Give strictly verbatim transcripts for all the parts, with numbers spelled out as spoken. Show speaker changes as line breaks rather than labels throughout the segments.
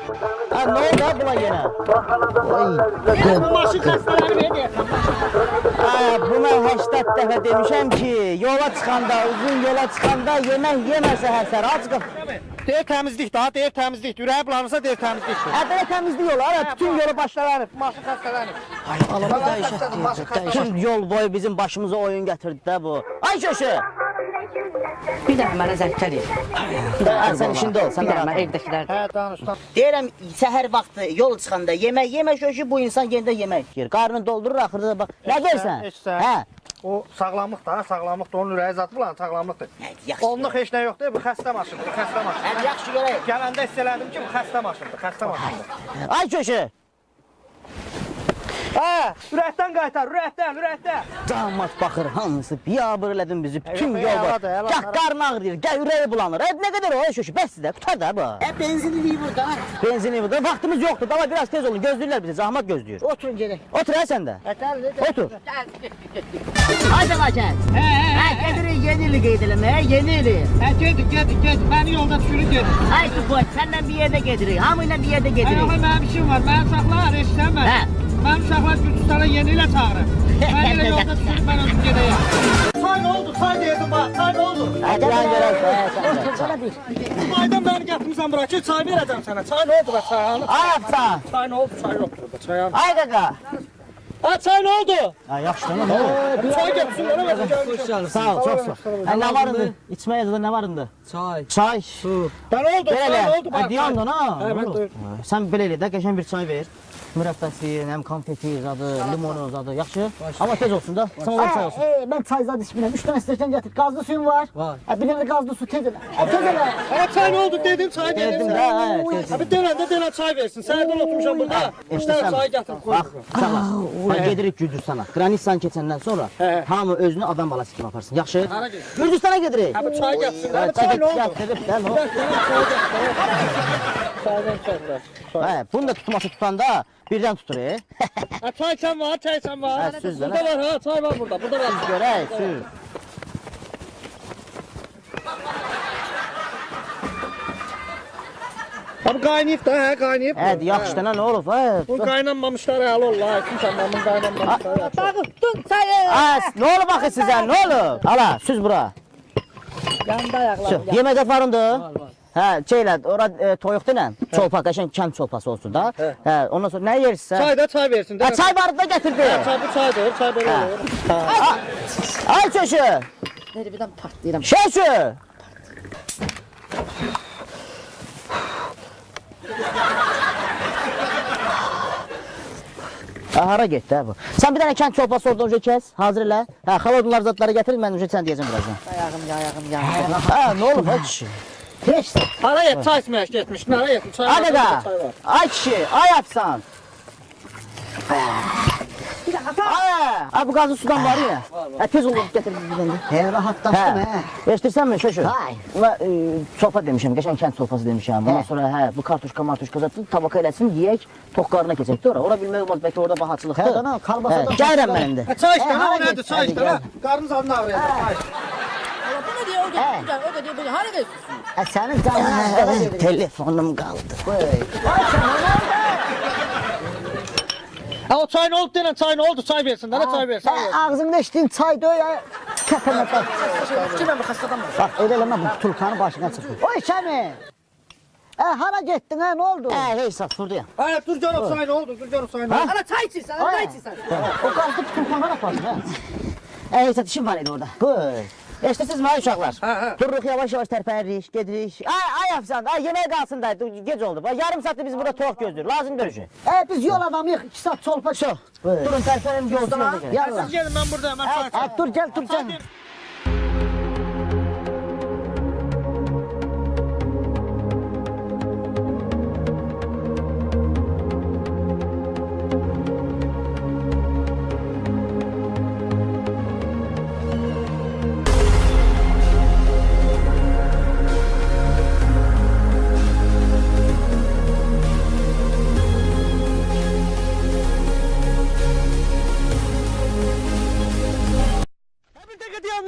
Ha, ne oldu ha buna yine?
Bu maşın xəstələri verir.
Ha, buna həştət dəfə demişəm ki, yola çıxanda, uzun yola çıxanda yemək yeməsə həsər, aç qap.
Deyir təmizlik daha, deyir təmizlik. Ürəyi bulanırsa deyir təmizlik.
Hə, belə təmizlik yolu, ha, bütün yolu başlanır.
Maşın xəstələnir.
Ay, alama dəyişət deyir, bütün yol boyu bizim başımıza oyun gətirdi də bu. Ay köşü!
Bir dəfə mənə zəng gəlir.
Ha, sən işində ol, sən
Bir
də
dəfə
rahat ol.
evdəkilər.
Hə, danış, danış.
Deyirəm, səhər vaxtı yol çıxanda yemək yemək köşü, bu insan yenə də yemək yiyir. Qarnını doldurur, axırda da bax. Nə deyirsən?
Eşsən.
Hə.
O sağlamlıq da, sağlamlıq da, onun ürəyi zat bulan sağlamlıqdır.
Yaxşı.
Onluq heç nə yoxdur, bu xəstə maşındır, bu xəstə maşındır.
Hə, yaxşı görək.
Gələndə hiss elədim ki, bu xəstə maşındır, xəstə maşındır.
Ay köşü!
Hə, ürəkdən qaytar, ürəkdən, ürəkdən.
Damat baxır, hamısı biyabır elədin bizi, bütün
yox,
yol var.
əladır, əladır.
Gah qarnı ağrıyır, gah ürəyi bulanır. E, nə qədər o, ay köşü, bəs sizdə, tutar da bu.
E benzinliyi burada.
Benzini burada, vaxtımız yoxdur, dava biraz tez olun, gözləyirlər bizi, zahmat gözləyir.
Oturun gedək.
Otur hə sən də, otur.
Haydi Laçən.
Hə, hə,
Hə, gedirik yeni ili qeyd eləməyə, yeni ili.
hə, gedin, gedin, gedin. Məni yolda düşürün, gedin.
Ay Tupoç, səndən bir yerdə gedirik, hamı ilə bir yerdə
Ay,
gedirik.
yox, mənim işim var, mənim uşaqlar, eşitsən mən.
Hə.
Mənim uşaqlar Gürcüstana yeni ilə çağırır. Mən elə yolda düşürüm, mən özüm gedəyəm. Çay nə oldu, çay deyirdim bax, çay nə oldu?
Hadi lan görək, hə, sən də.
Sana bir.
Bu aydan məni gətirmişsən bura ki, çay verəcəm sənə. Çay nə oldu bax, çay hanı?
Ay apsan,
Çay nə oldu, çay yoxdur burada, çay hanı?
ay qaqa.
Ha, çay nə oldu?
Ha, yaxşı tamam, nə oldu?
Çay gətirsin, mənə versin, gəlmişəm.
Sağ ol, çox sağ ol. Hə, nə var indi? İçməyə yazıda nə var indi?
Çay.
Çay, su.
Ben oldu,
Belə
çay
elə,
nə oldu
hə,
bax.
deyandın ha.
Hə, mən
Olur.
duyurdum.
Hə, sən belə elə də, qəşən bir çay ver. Mürəbbəsi, həm konfeti zadı, limonu zadı, yaxşı. Amma tez olsun da, sən olan çay olsun.
Hey, ben çay zad içmirəm. Üç dənə stəkan gətir. Qazlı suyun var?
Var.
Ha, bir dənə qazlı su tez elə. Ha, tez elə.
Ha, çay nə oldu dedim, çay
Dedim
dedim.
də, hə, tez.
Abi denəndə denə çay versin. Sənədən oturmuşam burada. Bir
İşte
dənə
sən,
çay gətir, qoy.
bax, sən bax, gedirik Gürcüstana. Qranitsan keçəndən sonra
Hə.
hamı özünü adam balası kimi aparsın, yaxşı?
Hara gedir?
Gürcüstana gedirik.
Ha, bu çay gətirsin.
Hə,
Ha, çay nə oldu?
gətirib, də, nə oldu?
Çaydan çaydan.
Hə, bunu da tutması tutanda birdən tutur, e?
Ha, çay sen var, çay sen var.
Ha, süz
Burada
lan.
var ha, çay var burada. Burada var.
Görək, sür.
Abi qaynayıb da, hə, qaynayıb.
Hə, yaxşı da, nə olub, hə?
Bu qaynanmamışlar həll ollar. Kimsən mənim qaynanmamışlar.
Dağıttın çayı.
Ha, nə olub axı sizə, nə olub? Ala, süz bura.
Yanında ayaqlarım.
Süz, yeməkdə varındır? Hə, şeylə, ora e, toyuq denən, çolpa, qəşəng kənd çolpası olsun da. Hə, ondan sonra nə yersinsə?
Çay da çay versin.
Ha, çay barını da gətirdi.
Çay bu çaydır, çay belə olur.
Ay köşü,
Nerede birdən partlayıram.
köşü. Ha, hara getdi hə bu? Sən bir dənə kənd çolpası oradan önce kəs, hazır elə. Hə, xaladınlar zadları gətir, mən önce sən deyəcəm birazdan.
Ayağım, ayağım, ayağım.
Ha, nə olub ay kişi?
Heç.
Hara yet, çay içməyə getmiş. Hara yet, çay
Ay
var,
qaqa,
çay var.
ay kişi, ay apsan. Ay, ay bu qazlı sudan var ya. Hə, tez olub gətir bir dənə.
He, rahatlaşdım he.
Eşitirsən mi şöşü?
Hay.
Buna e, çolpa demişəm, qəşəng kənd çolpası demişəm. Bundan sonra hə, bu kartuşka martuşka zatı tabaka eləsin, yeyək, toq qarına keçək də ora. Ora bilmək olmaz, bəlkə orada bahaçılıqdır.
Hə, dana, kalbasa
Hə,
da-
gəlirəm mən indi.
Ha, çay işte,
Hə,
ha, o
hara
nədir,
get,
çay
hadi
işte,
gel.
ha. Qarnınız adını ağrıyacaq, çay.
Bu ne diyor o
He.
diyor, o da diyor, bu hara geçiyorsun?
Hə, sənin canına telefonum qaldı.
Ha, o çay nə oldu denən, çay nə oldu, çay versin, dana çay versin. çay versin.
Ağzımda içtiğin çay diyor ya. Tepeme bak.
Kimə bu xəstədən var?
Bak öyle eleme bu tulkanın başına çıkıyor. Oy Şami. E hara gittin ha ne oldu?
Hə, hey sat, fırdı ya.
Ha, dur canım, çay nə oldu, dur canım, çay nə oldu?
Ana çay içirsen, ana çay içirsen.
O qaldı tulkana da fazla. Hə, hey sat, işim var idi orada. Qoy. Eşitsiz mi ay uşaqlar?
Hə, hə.
Dururuq yavaş-yavaş tərpənirik, gedirik. Ay, ay afsan, ay yemək qalsın da, gec oldu. Bax, yarım saatdır biz burada toq gözlüyoruz. Lazım görüşü.
E biz yol adamıyıq. iki saat çolpa çok.
Durun tərpənim yolcuna da gəlin.
Yallah.
Siz gelin, mən buradayım, mən çay içəm.
E, dur gel dur gel.
Bir dəqiqə dayan,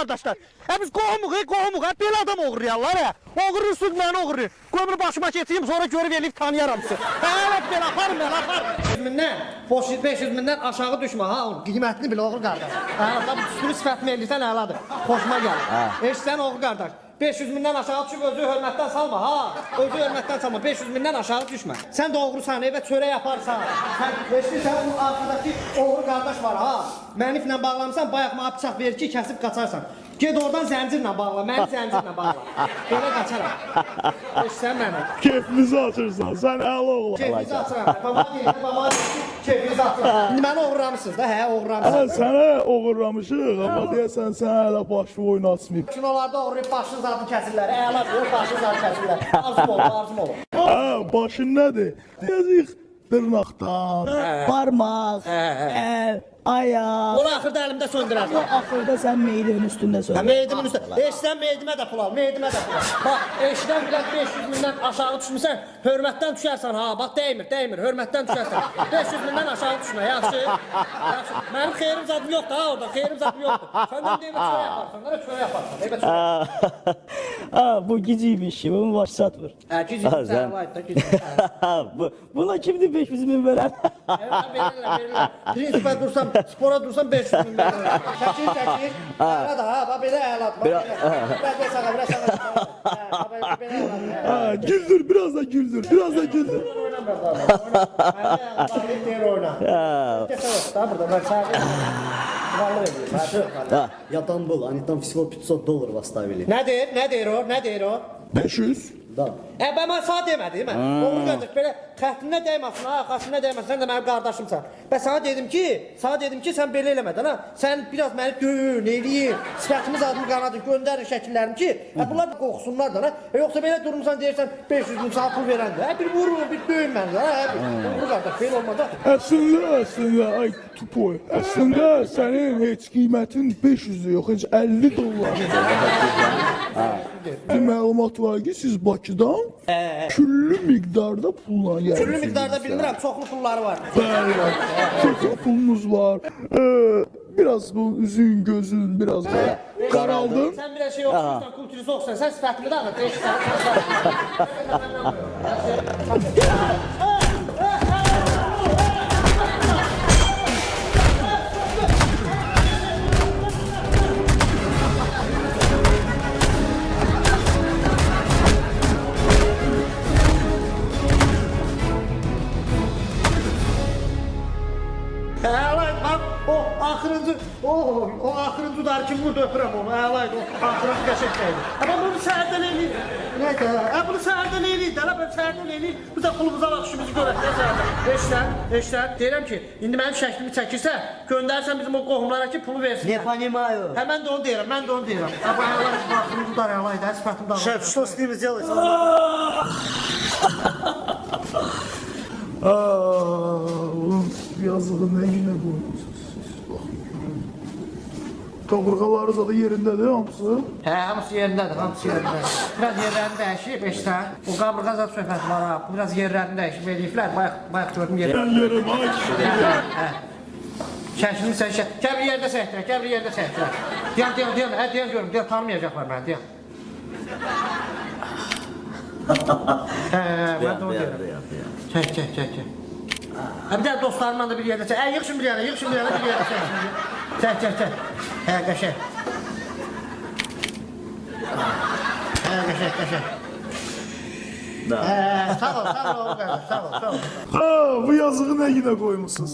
qardaşlar. Hə biz qohumuq, qohumuq. Hə belə adam oğurlayarlar hə. Oğurursunuz məni oğurlayın. Qoy bunu başıma keçeyim, sonra görüb eləyib tanıyaram sizi. Hə, elə belə aparın mən, aparın. beş yüz mindən, beş yüz mindən aşağı düşmə ha. Qiymətini bil oğul qardaş. Hə, da düsturu sifətimi eləyirsən əladır. Xoşuma gəlir. Eşsən oğul qardaş. beş yüz mindən aşağı düşüb özü hörmətdən salma ha. Özü hörmətdən salma. beş yüz mindən aşağı düşmə. Sən də oğrusan, evə çörək yaparsan. Sən eşdirsən bu arkadakı oğru qardaş var ha. Məniflə bağlamısan, bayaq mənə bıçaq verir ki, kəsib qaçarsan. Ged oradan zəncirlə bağla, məni zəncirlə bağla. Belə qaçaram. Eşsən məni.
Keyfimizi açırsan, sən əla oğlan.
Keyfinizi açıram. Baba deyir, baba deyir, keyfinizi açıram. İndi məni oğurlamışsınız da, hə,
Hə,
oğurlamışsınız.
sənə oğurlamışıq, amma deyəsən sən hələ başı oyun açmayıb.
Kinolarda oğurlayıb başın zadını kəsirlər. Əla deyir, başın zadını kəsirlər. Arzum olur, arzum olur.
Hə, başın nədir? Deyəcəyik dırnaqdan, parmaq, əl, ayaq.
Onu axırda əlimdə söndürərsən.
Axırda sən meydimin üstündə
Hə,
söyle.
meydimin üstə. Eşdən meydimə də pul al, meydimə də pul al. Bax, eşdən bilən beş yüz mindən aşağı düşmüsən, hörmətdən düşərsən ha. Bax, dəymir, dəymir, hörmətdən düşərsən. beş yüz mindən aşağı düşmə, yaxşı. Yaxşı. Mənim xeyrim zadım yoxdur ha orada, xeyrim zadım yoxdur. Səndən deyimə çörə yaparsan, qara çörə yaparsan, deyimə çörə.
Ha, bu giciy bir şey, bunun başı satmır.
Hə, gizli sən var da, gizli.
bu, buna kimdi beş yüz bin veren?
Evet, verirlər, verirlər. Prinsipə dursam, spora dursam beş yüz min verirlər. Çəkir, çəkir. Əla da ha, bax belə əladır. Biraz belə sağa, biraz sağa. Belə əladır.
Hə, güldür, biraz da güldür, biraz da güldür.
Oynamır da. Oynamır. Deyir oyna. Geçə da burada, mən sağ.
Я там был, они там всего пятьсот долларов оставили.
Nə deyir, nə deyir o, nə deyir o?
beş yüz.
Да.
Ə, bə mən sağ demədim, mən. Oğul qardaş, belə xəttinə dəyməsin, ha, xəttinə dəyməsin, sən də mənim qardaşımsan. Bə sana dedim ki, sana dedim ki, sən belə eləmədin, ha. Sən biraz məni döyün, eləyin, sifətimiz adımı qanadın, göndərin şəkillərim ki, hə, bunlar da qorxsunlar da, ha. E, yoxsa belə durmuşsan deyirsən, beş yüz min sağ pul verəndə, hə, bir vurun, bir döyün məni, ha, hə, oğul qardaş, belə olmaz, ha.
Əslində, əslində, ay tupoy, əslində sənin heç qiymətin beş yüz yox, heç əlli dollar. Bir məlumat var ki, siz Bakıdan küllü miqdarda pulla gəlirsiniz.
Küllü miqdarda bilmirəm, çoxlu pulları var.
Bəli, çoxlu pulunuz var. Ee, biraz bu üzün, gözün biraz da qaraldın.
Sən bir şey oxuyursan, kulturizi oxusan, sən sifətimi də anlat, eşitsən. Əlaydı, bax, o axırıncı, o, o axırıncı udarı kim vurdu öpürəm onu, əlaydı, o axırıncı qəşəkdəydi. Amma bunu səhərdən eləyir. Nəydə, ə, bunu səhərdən eləyir, dələ, ben səhərdən eləyir. Biz də pulumuza baxışımızı görək, nə səhərdən. Eşlər, eşlər, deyirəm ki, indi mənim şəklimi çəkirsə, göndərsən bizim o qohumlara ki, pulu versin.
Не понимаю.
Hə, mən də onu deyirəm, mən də onu deyirəm. Hə, bu əlaydı, bu axırıncı udarı əlaydı, hə, sifətim dağılır.
Шеф, что с ними сделать?
Aa, yazığı nə günə qoymusunuz siz? Kaburgaları da yerindədir hamısı.
Hə, hamısı yerindədir, hamısı yerindədir. Biraz yerlərini dəyişib, eşlər. O qaburğa zat söhbəti var ha, biraz yerlərini dəyişib eləyiblər, bayaq, bayaq gördüm yerlərini.
Ben yerim, ay kişi.
Hə. Şəklini sən şək. Gəl bir yerdə səhətlər, gəl bir yerdə səhətlər. Deyən, deyən, deyən, hə, deyən görüm, deyən, tanımayacaqlar məni, deyən. Hə, hə, mən də onu deyirəm. Çək, çək, çək, çək. Hə, bir də dostlarımla da bir yerdə çək. Hə, yığışın bir yerdə, yığışın bir yerdə, bir yerdə çək. Çək, çək, çək. Hə, qəşək. Hə, qəşək, qəşək. Hə, sağ ol, sağ ol, oğul qardaş, sağ ol, sağ ol.
Ha, bu yazığı nə günə qoymusunuz?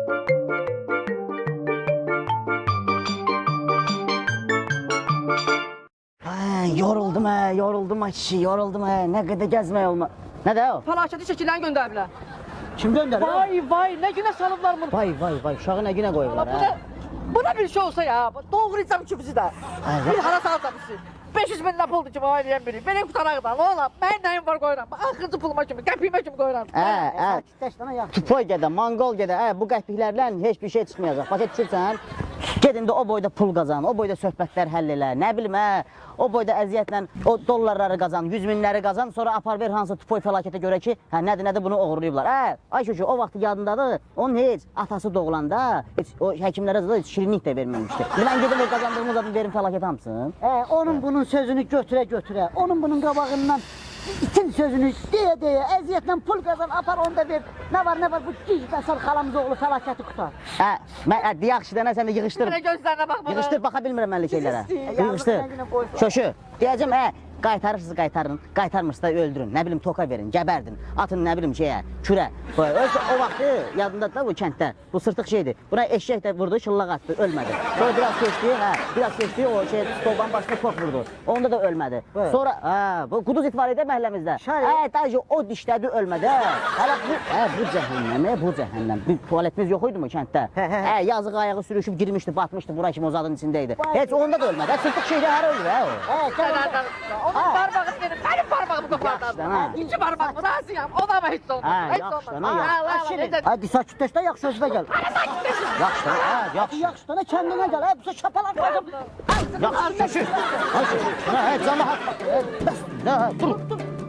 Ay, yoruldum hə, yoruldum ay kişi, yoruldum hə. Nə qədər gəzmək olma. Nə də o?
Fəlakəti şəkillərini göndəriblər.
Kim göndərir?
Vay vay, nə günə salıblar bunu.
Vay vay vay, uşağı nə günə qoyublar
Bu
hə?
da, bu da bir şey olsa ya, doğrayacağım ki bizi də.
Ay,
Bir hara salacam bizi. beş yüz min lira puldur ki, bana eləyən biri. Belə qutaraq da, ne ola? Mənim nəyim var qoyuram. Axırıncı puluma kimi, qəpiyimə kimi qoyuram.
Hə, hə. Tupoy gedə, Mongol gedə, hə, bu qəpiklərlə heç bir şey çıxmayacaq. Başa düşürsən? Gedin də o boyda pul qazan, o boyda söhbətlər həll elə, nə bilim hə, o boyda əziyyətlə o dollarları qazan, yüz minləri qazan, sonra apar ver hansı tupoy fəlakətə görə ki, hə nədir nədir bunu oğurlayıblar. Hə, ay çocuğu o vaxt yadındadır, onun heç atası doğulanda heç o həkimlərə də heç şirinlik də verməmişdi. Mən gedim o qazandığımız adını verim fəlakət hamısın.
Hə, onun bunun sözünü götürə götürə, onun bunun qabağından itin sözünü deyə deyə, əziyyətlə pul qazan, apar onu da ver. Nə var nə var bu gizləsər xalamız oğlu fəlakəti qutar.
Hə, mən hə, yaxşı dənə sən də yığışdır.
Mənə gözlərinə bax bana.
Yığışdır, baxa bilmirəm mən elə şeylərə.
istəyir.
Yığışdır. Şoşu, deyəcəm, hə, qaytarırsınız, qaytarın, qaytarmırsınız da öldürün, nə bilim toka verin, gəbərdin, atın nə bilim şeyə, kürə. Ölsə o vaxtı yadındadır da bu kənddə, bu sırtıq şeydir. Buna eşək də vurdu, şıllaq atdı, ölmədi. Sonra biraz keçdi, hə, biraz keçdi, o şey stolban başına tok vurdu. Onda da ölmədi. Sonra, hə, bu quduz it var idi məhəlləmizdə. Hə, dayıcı o dişlədi, ölmədi, hə. Hələ bu, hə, bu cəhənnəm, bu cəhənnəm. Bir tualetimiz yox idi mu kənddə? Hə, yazıq ayağı sürüşüb girmişdi, batmışdı, bura kimi o zadın içindəydi. Heç onda da ölmədi, hə, sırtıq şeydə hara öldü, hə o.
Hə, gəl.
Onun parmağı benim, benim parmağımı kopardan.
ha.
İki parmağımı razıyam, ona ama hiç olmaz.
Ha,
Hiç
yaxşı,
olmaz.
ne
Ha,
yaxşı.
Allah Allah,
Şirin,
necə-
hadi sakitləş də yaxşı sözünə gəl.
Yaxşı, hə, yaxşı.
Yaxşı da kəndinə gəl, hə, bu şapalar qoydum.
Yaxşı, şoşu. Ay şoşu, hə, hə, canlı haqq. Hə, hə, dur.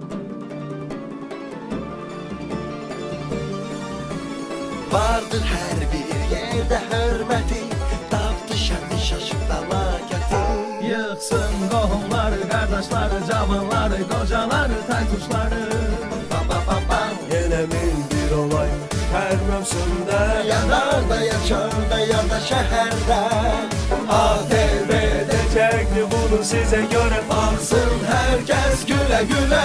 Vardır hər bir yerdə hörməti, tapdı şərti şaşıb fəlakəti.
Yıxsın qohumlar, qardaşlar, cavanlar, qocalar, taytuşları.
Bam bam bam bam.
Yenə min bir olay hər mövsümdə.
Yanar da yaşar da ya da şəhərdə.
A T V-də çəkdi bunu sizə görə.
Baxsın hər kəs gülə gülə.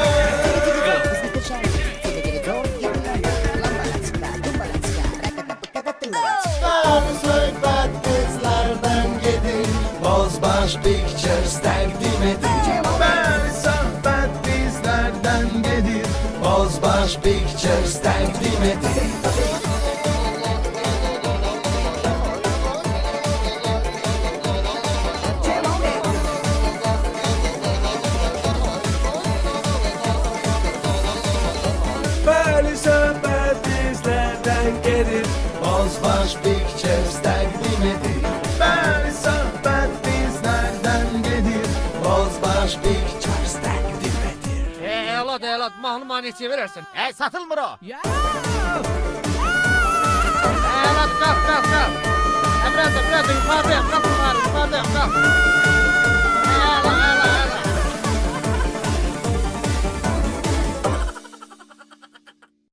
Söhbət qızlardan gedir, Bozbaş Pictures təqdim edir.
Bəli, söhbət bizlərdən gedir.
Bozbaş Pictures təqdim edir.
Bəli, söhbət bizlərdən gedir.
Bozbaş Pictures təqdim edir.
Bəli, söhbət bizlərdən gedir.
Bozbaş Pictures təqdim edir.
Elad, elad, mahnı neçəyə verərsən?
Hə, satılmır o.
Elad, qalx, qalx, qalx. Biraz da, biraz da yuxarıya, qalx yuxarı, yuxarı.